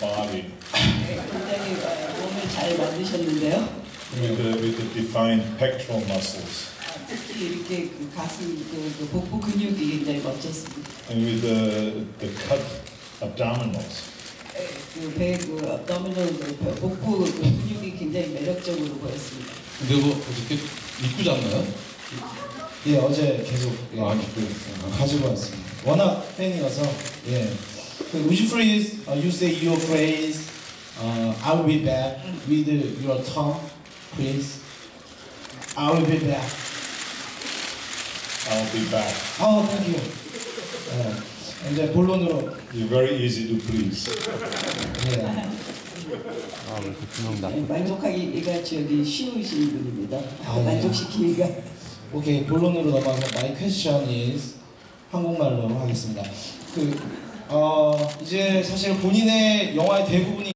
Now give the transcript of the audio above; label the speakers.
Speaker 1: body
Speaker 2: 굉장히 몸을 잘 만드셨는데요.
Speaker 1: with the defined pectoral muscles
Speaker 2: 특히 이렇게 그 가슴, 그 복부 근육이 굉장히 멋졌습니다.
Speaker 1: and with the cut abdominals.
Speaker 2: 그 배, 그 abdominal, 그 복부 그 근육이 굉장히 매력적으로 보였습니다.
Speaker 3: 근데 뭐 어저께 입고 잤나요?
Speaker 4: 예, 어제 계속
Speaker 3: 입고
Speaker 4: 가지고 왔습니다. 워낙 팬이라서 예. Would you please you say your phrase? I will be back with your tongue, please. I will be back.
Speaker 1: I'll be back.
Speaker 4: Oh, thank you. 이제 본론으로
Speaker 1: You're very easy to please.
Speaker 4: 예.
Speaker 2: 만족하기가 저기 쉬우신 분입니다.
Speaker 4: 예.
Speaker 2: 만족시키기가.
Speaker 4: 오케이, 본론으로 넘어가서 my question is 한국말로 하겠습니다. 이제 사실 본인의 영화의 대부분이